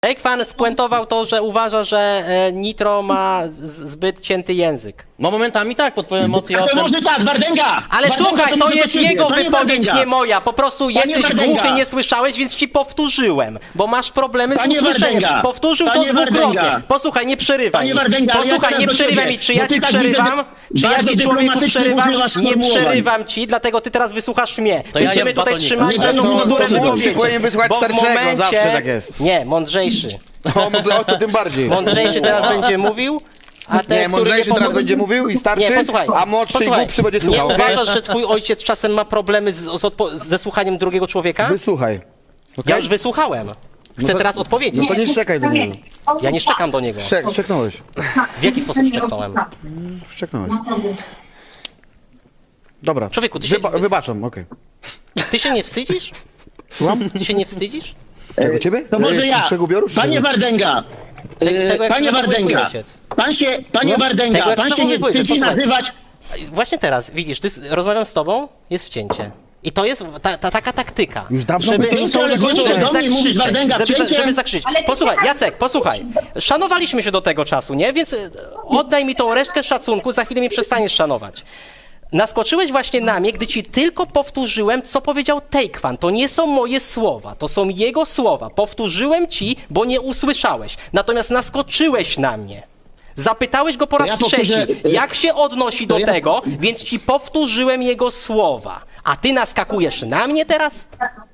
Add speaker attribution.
Speaker 1: Ekwan spuentował to, że uważa, że Nitro ma zbyt cięty język.
Speaker 2: No momentami tak, po twoje emocje
Speaker 3: Ale
Speaker 2: owszem.
Speaker 3: może tak, Wardęga!
Speaker 1: Ale
Speaker 3: Wardęga,
Speaker 1: słuchaj, to
Speaker 3: może
Speaker 1: jest
Speaker 3: ciebie.
Speaker 1: jego
Speaker 3: Panie
Speaker 1: wypowiedź,
Speaker 3: Wardęga.
Speaker 1: nie moja. Po prostu jesteś
Speaker 3: Wardęga.
Speaker 1: głuchy, nie słyszałeś, więc ci powtórzyłem. Bo masz problemy z
Speaker 3: Panie
Speaker 1: usłyszeniem.
Speaker 3: Wardęga.
Speaker 1: Powtórzył to
Speaker 3: Panie
Speaker 1: dwukrotnie.
Speaker 3: Wardęga.
Speaker 1: Posłuchaj, nie przerywaj
Speaker 3: Panie
Speaker 1: mi.
Speaker 3: Wardęga, ale ja
Speaker 1: Posłuchaj,
Speaker 3: teraz
Speaker 1: nie
Speaker 3: do
Speaker 1: przerywaj
Speaker 3: ciebie,
Speaker 1: mi. Czy
Speaker 3: bo
Speaker 1: ja
Speaker 3: ty
Speaker 1: ci
Speaker 3: tak
Speaker 1: przerywam?
Speaker 3: widzę,
Speaker 1: Czy ja
Speaker 3: bardzo
Speaker 1: ci, człowieku,
Speaker 3: dyplomatycznie
Speaker 1: przerywam?
Speaker 3: używasz
Speaker 1: Nie
Speaker 3: sformułowań.
Speaker 1: przerywam ci, dlatego ty teraz wysłuchasz mnie.
Speaker 2: To ja
Speaker 1: Będziemy
Speaker 2: jem
Speaker 1: tutaj
Speaker 2: batonika.
Speaker 1: trzymać
Speaker 3: Nie dają
Speaker 1: kulturę
Speaker 3: młodszy
Speaker 1: wypowiedzi.
Speaker 4: powinien wysłuchać
Speaker 1: Bo w
Speaker 4: starszego,
Speaker 1: momencie...
Speaker 4: zawsze tak jest.
Speaker 1: Nie, mądrzejszy.
Speaker 4: O, to tym bardziej.
Speaker 1: Mądrzejszy teraz będzie mówił, a ten,
Speaker 4: Nie,
Speaker 1: który
Speaker 4: mądrzejszy teraz
Speaker 1: pomógł-
Speaker 4: będzie mówił i starszy,
Speaker 1: Nie, posłuchaj,
Speaker 4: a młodszy i głupszy będzie
Speaker 1: nie
Speaker 4: słuchał. okej?
Speaker 1: uważasz, że twój ojciec czasem ma problemy ze słuchaniem drugiego człowieka?
Speaker 4: Wysłuchaj.
Speaker 1: Ja już wysłuchałem. Chcę
Speaker 4: to-
Speaker 1: teraz odpowiedzieć.
Speaker 4: No to nie szczekaj do niego.
Speaker 1: Ja nie szczekam do niego.
Speaker 4: Szczeknąłeś.
Speaker 1: W jaki sposób szczeknąłem?
Speaker 4: Szczeknąłeś. Dobra.
Speaker 1: Człowieku, ty się-
Speaker 4: Wybaczam, okej.
Speaker 1: Ty się nie wstydzisz?
Speaker 4: Słucham?
Speaker 1: Ty się nie wstydzisz?
Speaker 4: Czego ciebie?
Speaker 3: To może ja.
Speaker 4: Twojego ubioru? czy
Speaker 3: Panie
Speaker 4: czego?
Speaker 3: Wardęga.
Speaker 1: Tego, jak
Speaker 3: Panie
Speaker 1: się zachowuje twój
Speaker 3: Wardęga.
Speaker 1: ojciec.
Speaker 3: Panie
Speaker 1: Tego,
Speaker 3: Wardęga,
Speaker 1: jak
Speaker 3: pan się nie
Speaker 1: zachowuje,
Speaker 3: wstydzi
Speaker 1: posłuchaj.
Speaker 3: nazywać...
Speaker 1: Właśnie teraz, widzisz, rozmawiam z tobą, jest wcięcie. I to jest taka taktyka.
Speaker 4: Już dawno
Speaker 1: żeby,
Speaker 4: by to zostało zakończone.
Speaker 3: Do mnie mówisz, Wardęga,
Speaker 1: żeby zakrzyczeć. Posłuchaj, Jacek, posłuchaj. Szanowaliśmy się do tego czasu, nie? Więc oddaj mi tą resztkę szacunku, za chwilę mnie przestaniesz szanować. Naskoczyłeś właśnie na mnie, gdy ci tylko powtórzyłem, co powiedział Tejkwan. To nie są moje słowa, to są jego słowa. Powtórzyłem ci, bo nie usłyszałeś. Natomiast naskoczyłeś na mnie. Zapytałeś go po raz
Speaker 3: ja powtórzę,
Speaker 1: trzeci, jak się odnosi do
Speaker 3: ja-
Speaker 1: tego, więc ci powtórzyłem jego słowa. A ty naskakujesz na mnie teraz?